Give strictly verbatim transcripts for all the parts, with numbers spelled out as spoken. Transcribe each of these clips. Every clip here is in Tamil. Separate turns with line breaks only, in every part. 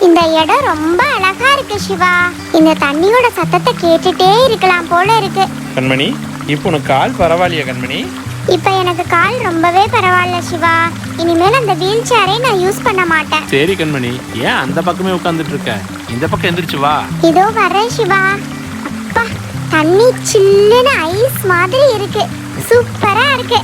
இந்த இடம் ரொம்ப அழகா இருக்கு சிவா. இந்த தண்ணியோட சத்தத்தை கேட்டுட்டே இருக்கலாம் போல இருக்கு.
கண்மணி, இப்போ உனக்கு கால் பரவாயில்லையா கண்மணி?
இப்ப எனக்கு கால் ரொம்பவே பரவாயில்ல சிவா. இனிமேல் அந்த வீல் சேரை நான் யூஸ் பண்ண மாட்டேன்.
சரி கண்மணி, ஏன் அந்த பக்கமே உட்கார்ந்துட்டு இருக்க? இந்த பக்கம் எந்திரிச்சு வா.
இதோ வரேன் சிவா. அப்பா, தண்ணி சில்லுன்னு ஐஸ் மாதிரி இருக்கு. சூப்பரா இருக்கு.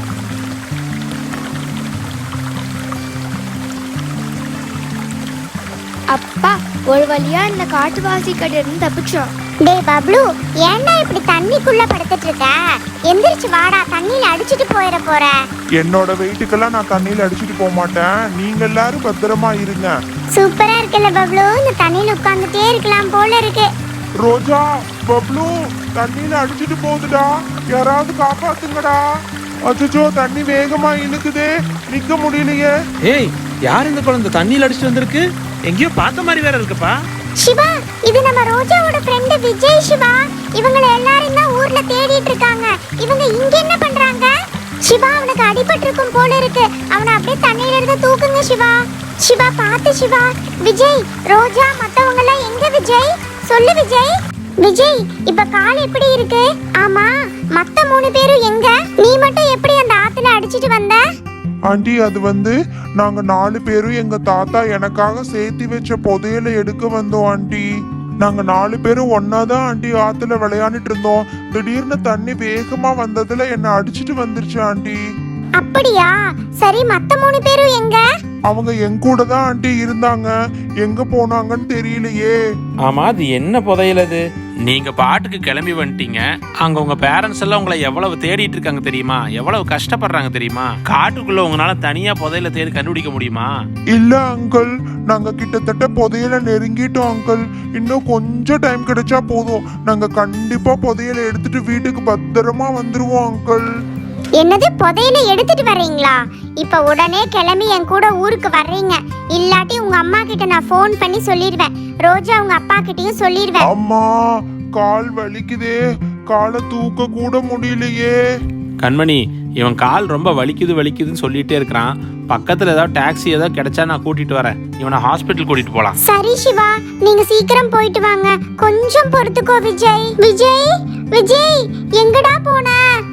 அப்பா, ஒரு வழியா இந்த காட்டுவாசி கிட்ட இருந்து தப்பிச்சோம்.
டேய் பப்ளு, ஏன்டா இப்படி தண்ணிக்குள்ள படுத்துட்டு இருக்க? எந்திரிச்சு வாடா, தண்ணியில அடிச்சிட்டு போயிட போற.
என்னோட வெயிட்டுக்கெல்லாம் நான் தண்ணியில அடிச்சிட்டு போக மாட்டேன். நீங்க எல்லாரும் பத்திரமா இருங்க.
சூப்பரா இருக்குல்ல பப்ளு? இந்த தண்ணியில உட்கார்ந்துட்டே இருக்கலாம் போல இருக்கு.
ரோஜா, பப்ளு தண்ணியில அடிச்சிட்டு போகுதுடா, யாராவது காப்பாத்துங்கடா. அச்சோ, தண்ணி வேகமா இழுக்குதே, நிக்க முடியலையே.
ஏய், யார் இந்த குழந்தை தண்ணியில் அடிச்சுட்டு வந்திருக்கு? எங்கேயோ பார்த்த மாதிரி வேற இருக்குப்பா.
சிவா, இது நம்ம ரோஜாவோட ஃப்ரெண்ட் விஜய் சிவா. இவங்களை எல்லாரும் தான் ஊர்ல தேடிட்டு இருக்காங்க. இவங்க இங்க என்ன பண்றாங்க? சிவா, அவனுக்கு அடிபட்டு இருக்கும் போல இருக்கு. அவனை அப்படியே தண்ணியில இருந்து தூக்குங்க சிவா. சிவா பார்த்து சிவா. விஜய், ரோஜா, மத்தவங்க எல்லாம் எங்க விஜய்? சொல்லு விஜய். விஜய், இப்ப கால் எப்படி இருக்கு? ஆமா, மத்த மூணு பேரும் எங்க? நீ மட்டும் எப்படி அந்த ஆத்துல அடிச்சிட்டு வந்த?
ஆண்டி, அது வந்து நாங்க நாலு பேரும் எங்க தாத்தா எனக்காக சேர்த்து வச்ச புதையலை எடுக்க வந்தோம் ஆண்டி. நாங்க நாலு பேரும் ஒன்னாதான் ஆண்டி ஆத்துல விளையாண்டுட்டு இருந்தோம். திடீர்னு தண்ணி வேகமா வந்ததுல என்ன அடிச்சிட்டு வந்துருச்சு ஆண்டி.
அப்படியா? சரி, மத்த மூணு பேரும் எங்க?
அவங்க என் கூட தான் ஆண்டி இருந்தாங்க. எங்க போனாங்கன்னு தெரியலையே.
ஆமா, அது என்ன புதையல் அது? நீங்க பாட்டுக்கு கிளம்பி வந்துட்டீங்க. அங்க உங்க பேரண்ட்ஸ் எல்லாம் உங்களை எவ்வளவு தேடிட்டு இருக்காங்க தெரியுமா? எவ்வளவு கஷ்டப்படுறாங்க தெரியுமா? காட்டுக்குள்ள உங்களால தனியா புதையல தேடி கண்டுபிடிக்க முடியுமா?
இல்ல அங்கிள், நாங்க கிட்டத்தட்ட புதையல நெருங்கிட்டோம் அங்கிள். இன்னும் கொஞ்சம் டைம் கிடைச்சா போதும். நாங்க கண்டிப்பா புதையல எடுத்துட்டு வீட்டுக்கு பத்திரமா வந்துருவோம் அங்கிள்.
என்னது, புதையல எடுத்துட்டு வர்றீங்களா? இப்ப உடனே கிளம்பி என் கூட ஊருக்கு வர்றீங்க. இல்லாட்டி உங்க அம்மா கிட்ட நான் ஃபோன் பண்ணி சொல்லிடுவேன். ரோஜா உங்க அப்பா கிட்டயும் சொல்லிடுவேன்.
அம்மா, கால் வலிக்குதே, காலை தூக்க கூட முடியலையே.
கண்மணி, இவன் கால் ரொம்ப வலிக்குது வலிக்குதுன்னு சொல்லிட்டே இருக்கிறான். பக்கத்துல ஏதாவது டாக்ஸி ஏதாவது கிடைச்சா நான் கூட்டிட்டு வரேன். இவனை ஹாஸ்பிட்டல் கூட்டிட்டு போலாம்.
சரி சிவா, நீங்க சீக்கிரம் போயிட்டு வாங்க. கொஞ்சம் பொறுத்துக்கோ விஜய். விஜய், விஜய், எங்கடா போன?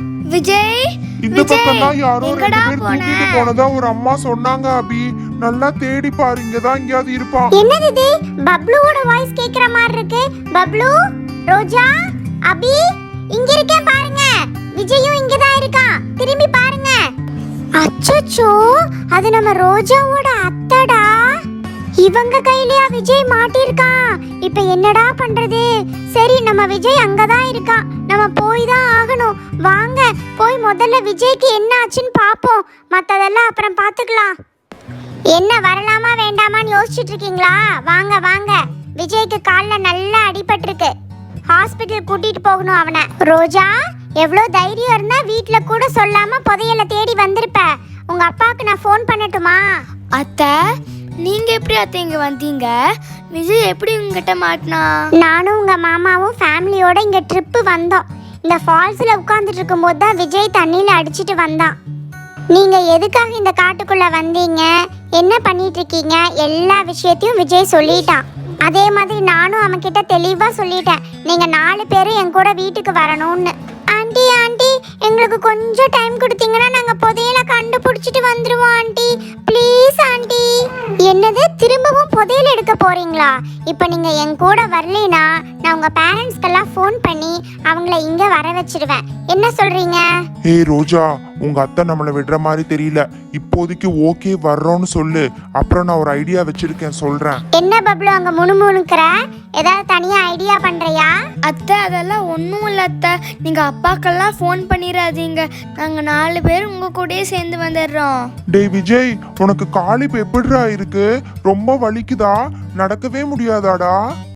விஜய்,
இந்த பக்கம் தான் யாரோ ரெண்டு பேர் தூக்கிட்டு போனதா ஒரு அம்மா சொன்னாங்க அபி. நல்லா தேடி பாரு, இங்கதான் எங்கேயாவது இருப்பான்.
என்னது இது? பப்ளுவோட வாய்ஸ் கேக்குற மாதிரி இருக்கு. பப்ளு, ரோஜா, அபி, இங்க இருக்கேன் பாருங்க. விஜயும் இங்கதான் இருக்கான், திரும்பி பாருங்க. அச்சச்சோ, அது நம்ம ரோஜாவோட அத்தடா. இவங்க கையிலயா விஜய் மாட்டிருக்கான்? இப்ப என்னடா பண்றது? சரி, நம்ம விஜய் அங்கதான் இருக்கான். நம்ம போய் தான் ஆகணும். வாங்க போய் முதல்ல விஜய்க்கு என்ன ஆச்சுன்னு பாப்போம். மத்ததெல்லாம் அப்புறம் பாத்துக்கலாம். என்ன, வரலாமா வேண்டாமான்னு யோசிச்சுட்டு இருக்கீங்களா? வாங்க வாங்க. விஜய்க்கு கால்ல நல்லா அடிபட்டிருக்கு. ஹாஸ்பிட்டல் கூட்டிட்டு போகணும் அவனை. ரோஜா, எவ்வளவு தைரியம் இருந்தா வீட்ல கூட சொல்லாம புதையல தேடி வந்திருப்ப. உங்க அப்பாவுக்கு நான் ஃபோன் பண்ணட்டுமா?
அத்தை, நீங்க எப்படி அத்தை இங்க வந்தீங்க? விஜய் எப்படி உங்ககிட்ட மாட்டினா?
நானும் உங்க மாமாவும் ஃபேமிலியோட இங்க ட்ரிப்பு வந்தோம். இந்த ஃபால்ஸ்ல உட்கார்ந்துட்டு இருக்கும்போது தான் விஜய் தண்ணியில அடிச்சிட்டு வந்தான். நீங்க எதுக்காக இந்த காட்டுக்குள்ள வந்தீங்க, என்ன பண்ணிட்டு இருக்கீங்க, எல்லா விஷயத்தையும் விஜய் சொல்லிட்டான். அதே மாதிரி நானும் அவன் கிட்ட தெளிவா சொல்லிட்டேன், நீங்க நாலு பேரும் என் கூட வீட்டுக்கு வரணும்னு. ஆண்டி, ஆண்டி, எங்களுக்கு கொஞ்சம் டைம் கொடுத்தீங்கன்னா நாங்க புதையல கண்டுபிடிச்சிட்டு வந்துருவோம் ஆண்டி. Please aunty. என்னது, திரும்பவும் புதையல் எடுக்க போறீங்களா? இப்போ நீங்க என் கூட வரலைனா நான் உங்க பேரண்ட்ஸ்க்கெல்லாம் ஃபோன் பண்ணி அவங்கள இங்க வர வச்சிடுவேன். என்ன சொல்றீங்க?
ஏய் ரோஜா, உங்க அத்தை நம்மளை விடுற மாதிரி தெரியல. இப்போதைக்கு ஓகே வர்றோம்னு சொல்லு. அப்புறம் நான் ஒரு ஐடியா வச்சிருக்கேன், சொல்றேன்.
என்ன பப்ளு அங்க முணுமுணுக்கிற? ஏதாவது தனியா ஐடியா பண்றியா?
அத்தை, அதெல்லாம் ஒன்றும் இல்லை அத்தை. நீங்கள் அப்பாக்கெல்லாம் ஃபோன் பண்ணிடாதீங்க. நாங்கள் நாலு பேர் உங்கள் கூடயே சேர்ந்து வந்துடுறோம்.
டேய் விஜய், உனக்கு கால் இப்ப எப்படிடா இருக்கு? ரொம்ப வலிக்குதா? நடக்கவே முடியாதாடா?